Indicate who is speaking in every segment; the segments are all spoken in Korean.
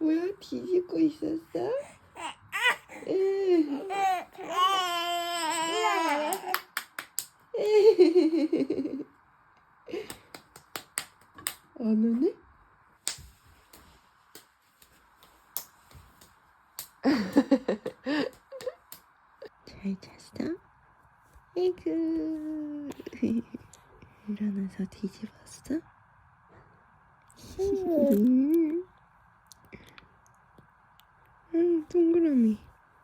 Speaker 1: 뭐야? 뒤집고 있었어? 안 오네? 잘 잤어? 아이고. 일어나서 뒤집었어? 동그라미.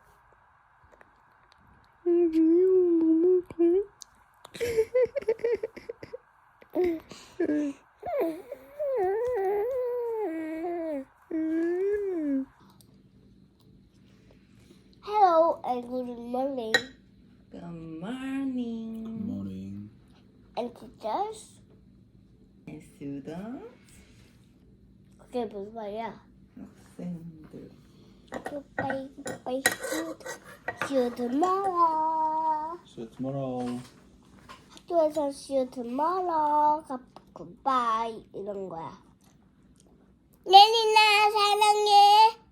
Speaker 1: 귀여워. 뭐 먹을까?
Speaker 2: Hello and good morning.
Speaker 1: Good morning.
Speaker 3: Good morning.
Speaker 2: And teachers.
Speaker 1: And students.
Speaker 2: 그게 무슨 말이야?
Speaker 1: 학생들.
Speaker 2: Goodbye, goodbye, see you tomorrow.
Speaker 3: See you tomorrow.
Speaker 2: 학교에서 see you tomorrow. Goodbye 이런 거야. 예린아 사랑해.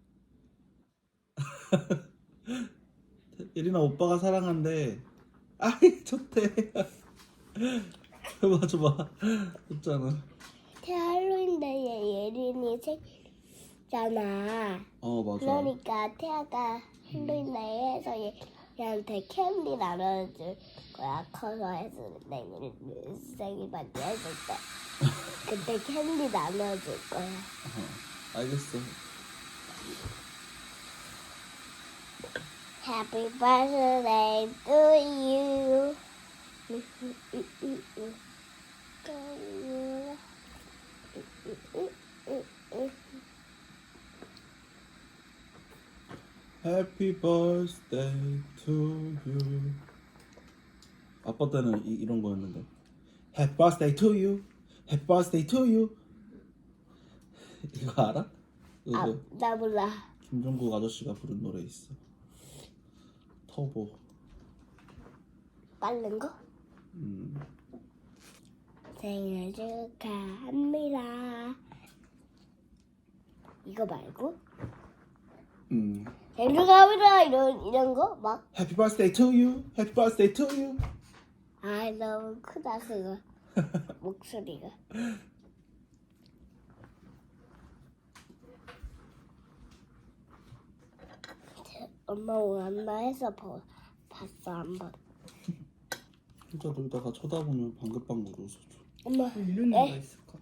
Speaker 3: 예린아 오빠가 사랑한대. 아이 좋대. 해봐 줘봐. 좋잖아.
Speaker 2: 할로윈데이에 예린이 생일잖아.
Speaker 3: 어 맞아.
Speaker 2: 그러니까 태아가 할로윈데이에서 얘한테 캔디 나눠줄 거야. 커서 해서 내일 생일 파티 해줄 때 그때 캔디 나눠줄 거야.
Speaker 3: 알겠어.
Speaker 2: Happy birthday to you.
Speaker 3: Happy birthday to you. 아빠 때는 이런 거였는데. Happy birthday to you. Happy birthday to you. 이거 알아?
Speaker 2: 아,
Speaker 3: 이거
Speaker 2: 나 몰라.
Speaker 3: 김종국 아저씨가 부른 노래 있어. 터보.
Speaker 2: 빠른 거? 생일 축하합니다. 이거 말고? 생일 축하합니다 이런 거 막.
Speaker 3: Happy birthday to you. Happy birthday to you.
Speaker 2: 아 너무 크다 그거 목소리가. 엄마 오랜만에서 봤어 한번.
Speaker 3: 혼자 놀다가 쳐다보면 방긋방긋 웃어줘.
Speaker 2: 엄마
Speaker 1: 이런 애가 있을까?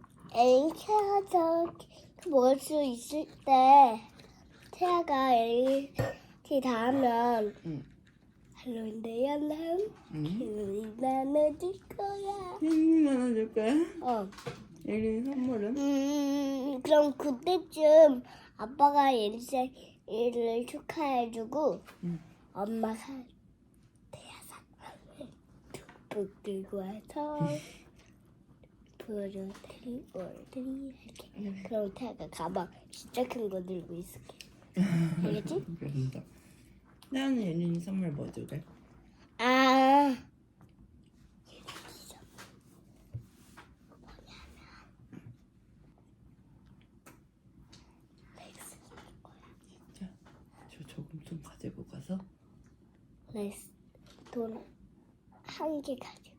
Speaker 2: 애기가 먹을 수 있을 때 태아가 애기 다 하면 할로윈데이 날 나눠줄 거야.
Speaker 1: 예린이 나눠줄 거야?
Speaker 2: 어.
Speaker 1: 예린이 선물은?
Speaker 2: 그럼 그때쯤 아빠가 예리 생일을 축하해주고 엄마가 태아상 뚝뚝 들고 와서 보여드리고 이렇게. 그럼 태아가 가방 진짜 큰 거 들고 있을게. 알겠지?
Speaker 1: 그런다. 나는 예린이 선물 뭐 줄래?
Speaker 2: 아.
Speaker 1: 자, 저 조금 좀 가지고 가서.
Speaker 2: 레스 돈 한 개 가지고.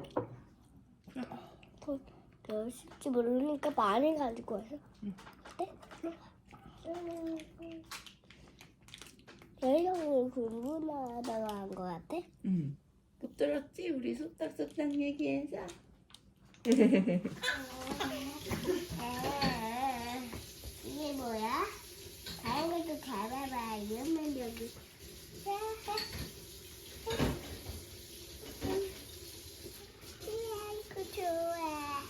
Speaker 2: 돈 몇일지 모르니까 많이 가지고 와서. 어때? 여행을 공부하다가 한 거 같아?
Speaker 1: 응. 못 들었지? 우리 속닥속닥 얘기해서.
Speaker 2: 이게 뭐야? 다른 것도 잡아봐. 이러면 여기. 아이고 좋아.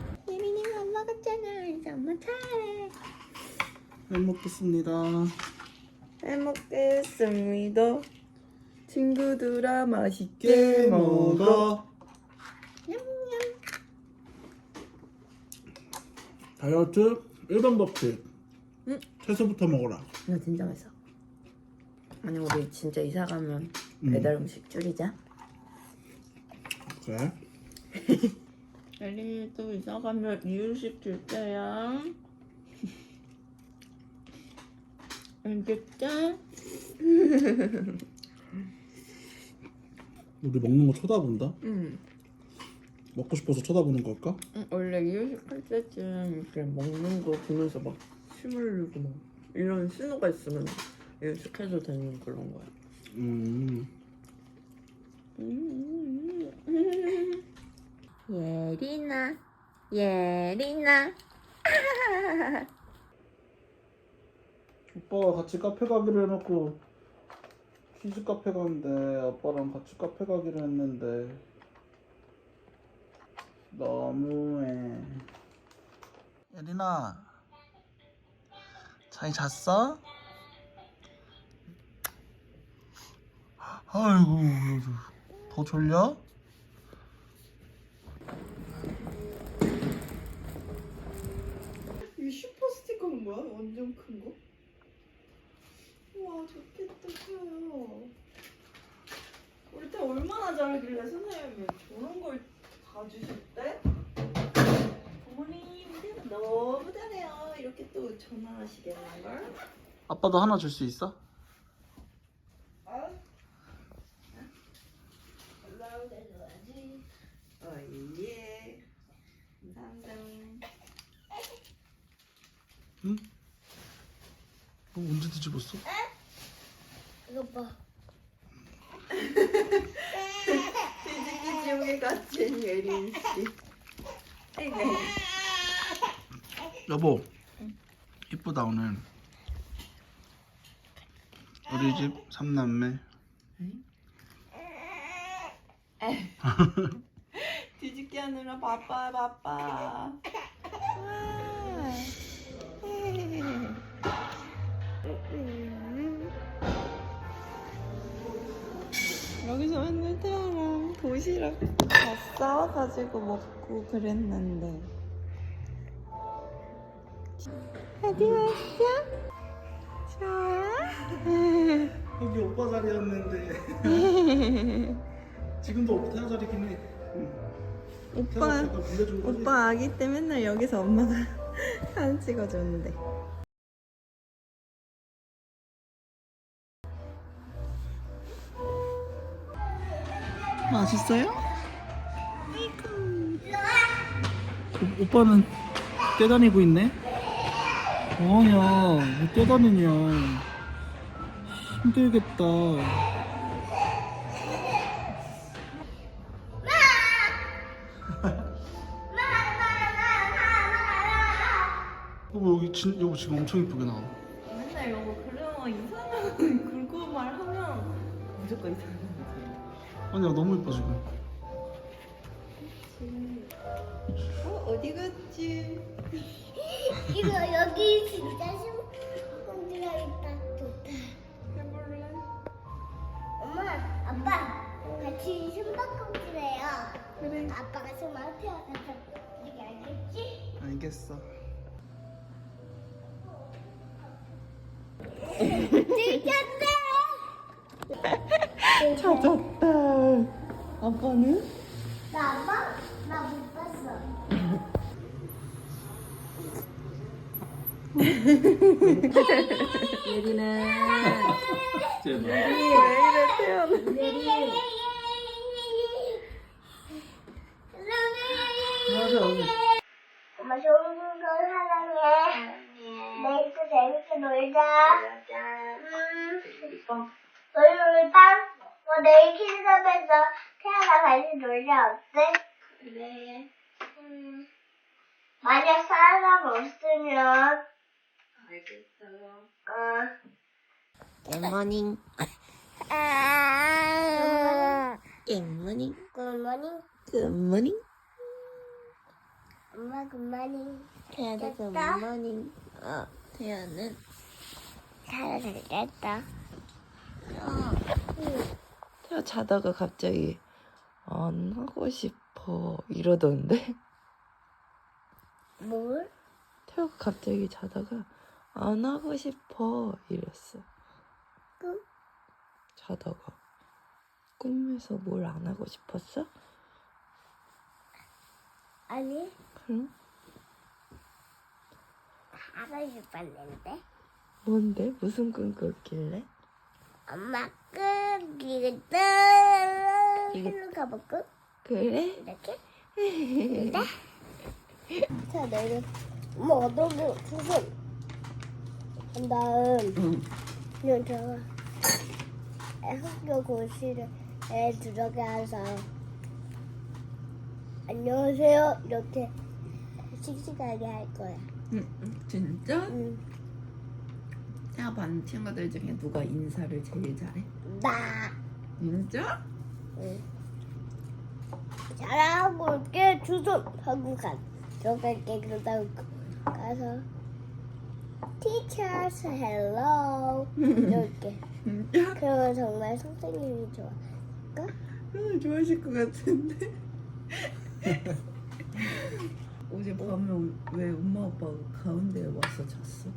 Speaker 1: 예린이가 안 먹었잖아. 이제 엄마 차례.
Speaker 3: 잘 먹겠습니다.
Speaker 1: 잘 먹겠습니다. 친구들아 맛있게 먹어. 냠냠.
Speaker 3: 다이어트 1번 법칙.
Speaker 1: 응?
Speaker 3: 채소부터 먹어라.
Speaker 1: 이거 진짜 맛있어. 아니 우리 진짜 이사 가면 배달 음식 줄이자.
Speaker 3: 그래?
Speaker 1: 엘리도 이사 가면 이유식 줄 거야. 알겠죠?
Speaker 3: 우리 먹는 거 쳐다본다?
Speaker 1: 응.
Speaker 3: 먹고 싶어서 쳐다보는 걸까?
Speaker 1: 원래 이유식 할 때쯤 이렇게 먹는 거 보면서 막 침 흘리고 막 이런 신호가 있으면 이유식해도 되는 그런 거야. 예린아, 예린아.
Speaker 3: 오빠가 같이 카페 가기로 해놓고 키즈 카페 가는데 아빠랑 같이 카페 가기로 했는데 너무해. 예린아, 잘 잤어? 아이고, 더 졸려?
Speaker 1: 이 슈퍼 스티커는 뭐야? 완전 큰 거? 우와 좋겠다 커요. 우리 때 얼마나 잘하길래 선생님이 저런 걸 다 주셨대? 어머니 우리 때 너무 잘해요. 이렇게 또 전화하시겠는걸?
Speaker 3: 아빠도 하나 줄 수 있어?
Speaker 1: 올라오게 줘야지. 예. 감사합니다.
Speaker 3: 응? 언제 뒤집었어?
Speaker 2: 이거 봐.
Speaker 1: 뒤집기 지옥에 갇힌 예린 씨. 아이고.
Speaker 3: 여보, 이쁘다 오늘. 우리 집 3남매.
Speaker 1: 뒤집기 하느라 바빠. 여기서 맨날 태아랑 도시락 다 싸워가지고 먹고 그랬는데. 어디 왔어? 좋아?
Speaker 3: 여기 오빠 자리였는데. 지금도 오빠 태아 자리긴 해.
Speaker 1: 오빠,
Speaker 3: 빌려준 거지?
Speaker 1: 오빠 아기 때 맨날 여기서 엄마가 사진 찍어줬는데. 맛있어요?
Speaker 3: 오빠는 떼다니고 있네? 뭐하냐, 왜 떼다니냐. 힘들겠다. 여보 지금 엄청 이쁘게 나와.
Speaker 1: 맨날 이거 그려면 이상한 굵고 말하면 무조건 이상한 거지.
Speaker 3: 아니야, 너무 이뻐 지금.
Speaker 1: 어디 갔지?
Speaker 2: 이거 여기 진짜 심쿵지가 있다. 좋다.
Speaker 1: 해볼래?
Speaker 2: 엄마, 아빠 같이 숨바꿈질해요.
Speaker 1: 그래.
Speaker 2: 아빠가 숨을 태워가서 이게 알겠지?
Speaker 3: 알겠어.
Speaker 1: 찾았다. 아빠는?
Speaker 2: 나 아빠? 나 못 봤어.
Speaker 1: 예린아.
Speaker 3: 제발.
Speaker 1: 왜 이래 태어나?
Speaker 2: 엄마 좋은 거 사랑해. 내일 또 재밌게 놀자. 우리 놀자. 내일 키즈샵에서 태아가 같이 놀자. 어때? 그래. 만약 사람 없으면
Speaker 1: 알겠어.
Speaker 2: 굿모닝.
Speaker 1: 굿모닝.
Speaker 2: 굿모닝.
Speaker 1: 굿모닝.
Speaker 2: 엄마 굿모닝.
Speaker 1: 태아도
Speaker 2: 됐다.
Speaker 1: 굿모닝. 태아는
Speaker 2: 잘했다.
Speaker 1: 태아 자다가 갑자기 안 하고 싶어 이러던데?
Speaker 2: 뭘?
Speaker 1: 태아가 갑자기 자다가 안 하고 싶어 이랬어.
Speaker 2: 꿈?
Speaker 1: 자다가 꿈에서 뭘 안 하고 싶었어?
Speaker 2: 아니,
Speaker 1: 그럼
Speaker 2: 하고 싶었는데.
Speaker 1: 뭔데? 무슨 꿈 꿨길래?
Speaker 2: 엄마 끝 이거 일로 가볼까?
Speaker 1: 그래?
Speaker 2: 이렇게? 근데 자 내가 엄마 어떻게 수술 한 다음 그냥 제가 학교 교실에 들어가서 안녕하세요 이렇게 씩씩하게 할 거야.
Speaker 1: 진짜?
Speaker 2: 응.
Speaker 1: 태아 반 친구들 중에 누가 인사를 제일 잘해?
Speaker 2: 나.
Speaker 1: 진짜?
Speaker 2: 응. 잘하고 올게 주소 하고 들어갈게 그러다가 가서 Teachers hello 이렇게
Speaker 1: 진짜?
Speaker 2: 그러면 정말 선생님이 좋아.
Speaker 1: 좋아하실 것 같은데. 어제 밤에 왜 엄마 아빠가 가운데에 와서 잤어?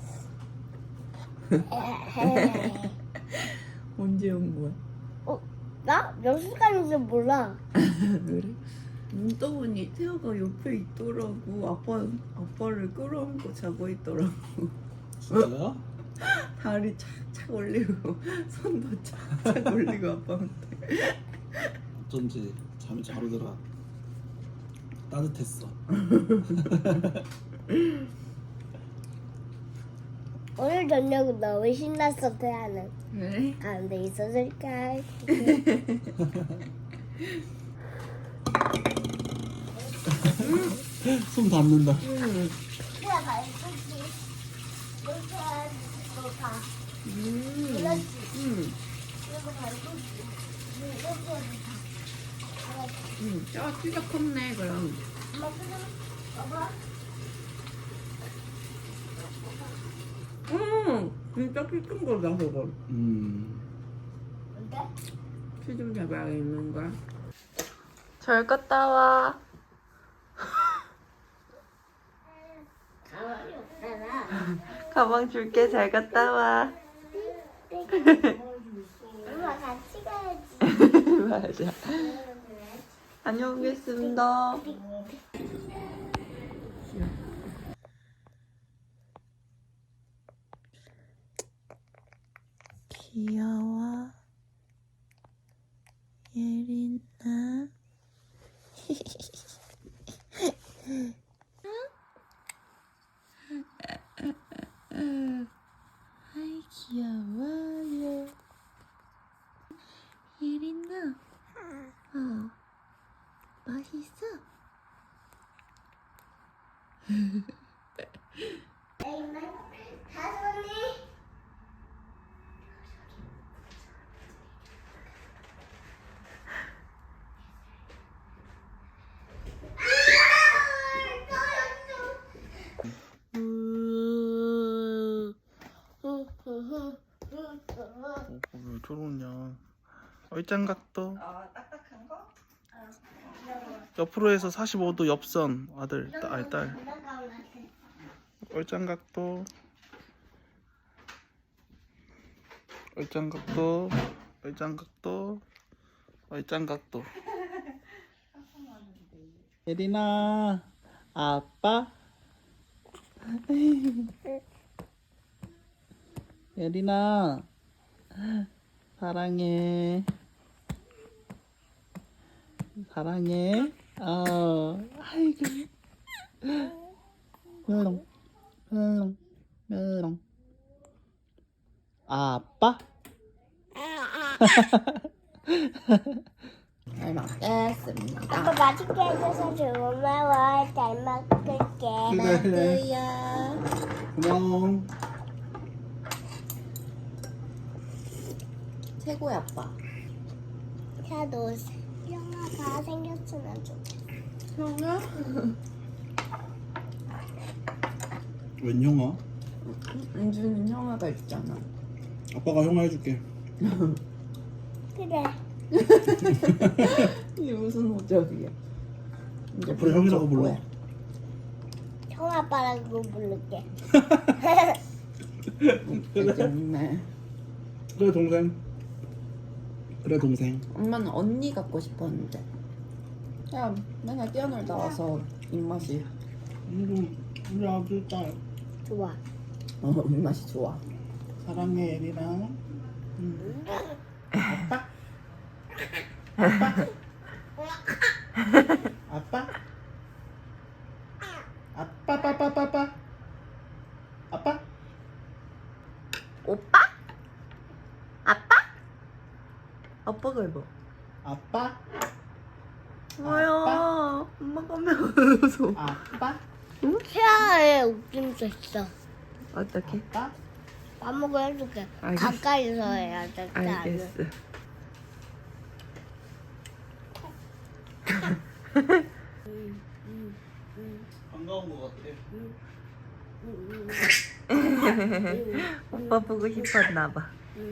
Speaker 1: 언제 온 거야?
Speaker 2: 나? 몇 시간인지 몰라.
Speaker 1: 그래? 눈 떠보니 태아가 옆에 있더라고. 아빠를 끌어안고 자고 있더라고.
Speaker 3: 진짜요?
Speaker 1: 다리 착착 올리고 손도 착착 올리고 아빠한테.
Speaker 3: 어쩐지 잠이 잘 오더라. 따뜻했어.
Speaker 2: 오늘 저녁은 너무 신났어 태아는.
Speaker 1: 그래?
Speaker 2: 가운데 있었을까?
Speaker 3: 손 닿는다.
Speaker 2: 태아 말했지. 이렇게 하고 봐. 그렇지. 이거 말고지. 이렇게 해도 다.
Speaker 1: 진짜 컸네 그럼.
Speaker 2: 엄마 그냥 봐봐.
Speaker 1: 진짜 키 큰 거다 그거.
Speaker 2: 뭔데?
Speaker 1: 키 좀 잡아야겠는 거야. 잘 갔다 와.
Speaker 2: 가만히 없잖아.
Speaker 1: 가방 줄게. 잘 갔다 와.
Speaker 2: 엄마 같이 가야지.
Speaker 1: 맞아. 다녀오겠습니다. 귀여워. 예린아. 아이 귀여워요. 예린아. 맛있어?
Speaker 2: 다솜이.
Speaker 3: 왜 저러냐. 얼짱각도.
Speaker 1: 딱딱한 거?
Speaker 3: 옆으로 해서 45도 옆선 아들 딸. 얼짱각도. 얼짱각도. 얼짱각도. 얼짱각도. 예린아 아빠. 예린아 사랑해. 사랑해. 아이고. 멜롱 멜롱 멜롱. 아빠.
Speaker 1: 잘 먹겠습니다.
Speaker 2: 아빠 맛있게 해줘서 고마워. 잘 먹을게.
Speaker 1: 나도야.
Speaker 3: 고마워.
Speaker 1: 최고야 아빠.
Speaker 2: 나도 영화가 생겼으면 좋겠어.
Speaker 1: 형아?
Speaker 3: 웬 영화?
Speaker 1: 은주는 형아가 있잖아.
Speaker 3: 아빠가 형아 해줄게.
Speaker 2: 그래.
Speaker 1: 이게 무슨 오적이야. 이제
Speaker 3: 앞으로 형이라고 불러.
Speaker 1: 거야.
Speaker 2: 형 아빠라고 부를게.
Speaker 1: 정말.
Speaker 3: 그래 동생. 그래 동생.
Speaker 1: 엄마는 언니 갖고 싶었는데. 야 맨날 뛰어놀다 와서 입맛이
Speaker 3: 우리 아들 딸
Speaker 2: 좋아.
Speaker 1: 입맛이 좋아.
Speaker 3: 사랑해 예린아. 아빠? 아빠? 아빠?
Speaker 1: 오빠? 아빠? 아빠가 해봐.
Speaker 3: 아빠?
Speaker 1: 뭐야?
Speaker 3: 아빠?
Speaker 1: 엄마가 매워서.
Speaker 3: 아빠?
Speaker 2: 치아에 웃김 있어.
Speaker 1: 어떻게?
Speaker 3: 아빠?
Speaker 2: 아무거 해줄게.
Speaker 1: 알겠어.
Speaker 2: 가까이서 해야 돼.
Speaker 1: 알겠어.
Speaker 3: 반가운 것 같아.
Speaker 1: 오빠 보고 싶었나 봐.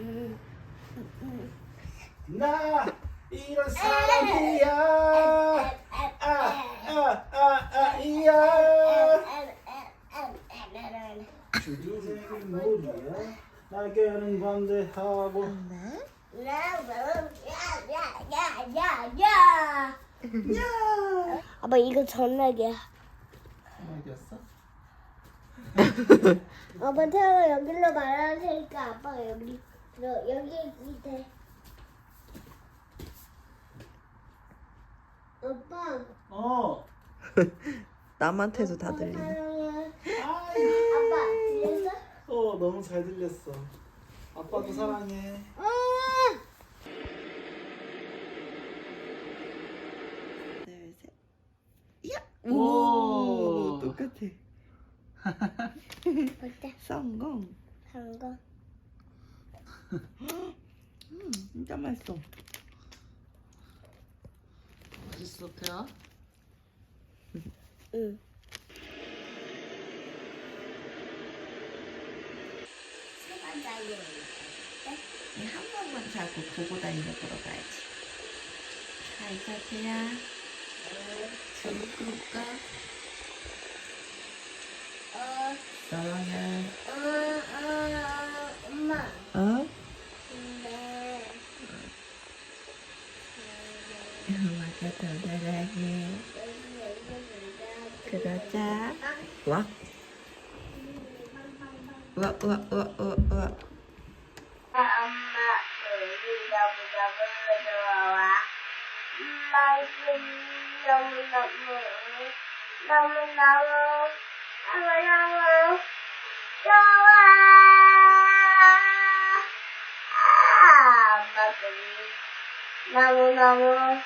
Speaker 3: 나 이런 사람이야. 이야. 주생이 모두야. 나게는 반대하고.
Speaker 2: 아빠 이거 전화기야.
Speaker 3: 알겠어?
Speaker 2: 아빠 태어나 여기로 말할 테니까 아빠가 여기 밑에. 아빠.
Speaker 3: 어.
Speaker 1: 남한테도 다
Speaker 2: 아빠
Speaker 1: 들리네.
Speaker 2: 사랑해.
Speaker 3: 아이.
Speaker 2: 아빠 들렸어?
Speaker 3: 너무 잘 들렸어. 아빠도 사랑해.
Speaker 1: 둘, 셋. 야!
Speaker 3: 오.
Speaker 1: 똑같아.
Speaker 2: 어때?
Speaker 1: 성공.
Speaker 2: 한거.
Speaker 1: 진짜 맛있어.
Speaker 3: 맛있어 태야?
Speaker 2: 응.
Speaker 1: 한 번만 자고 보고 다니러 들어가야지. 잘 자세요. 줄 끌까? 사랑해.
Speaker 2: 엄마.
Speaker 1: 어?
Speaker 2: 근데
Speaker 1: 엄마가 더 사랑해. 그러자. 와. 우와.
Speaker 2: 엄마 우리 너무 좋아. 맛있 너무너무 좋아. 엄마 너무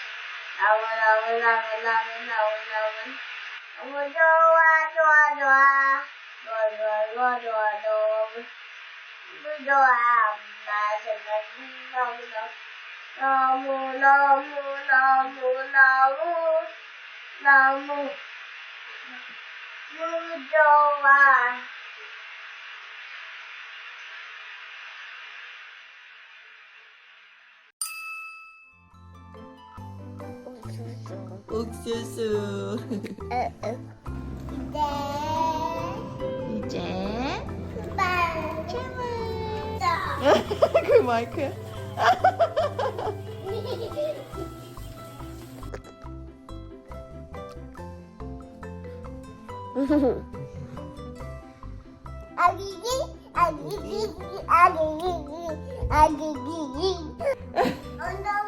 Speaker 2: 좋아. 너무 좋아.
Speaker 1: 옥수수. 이제 그 마이크야?
Speaker 2: 아기기. 엉덩이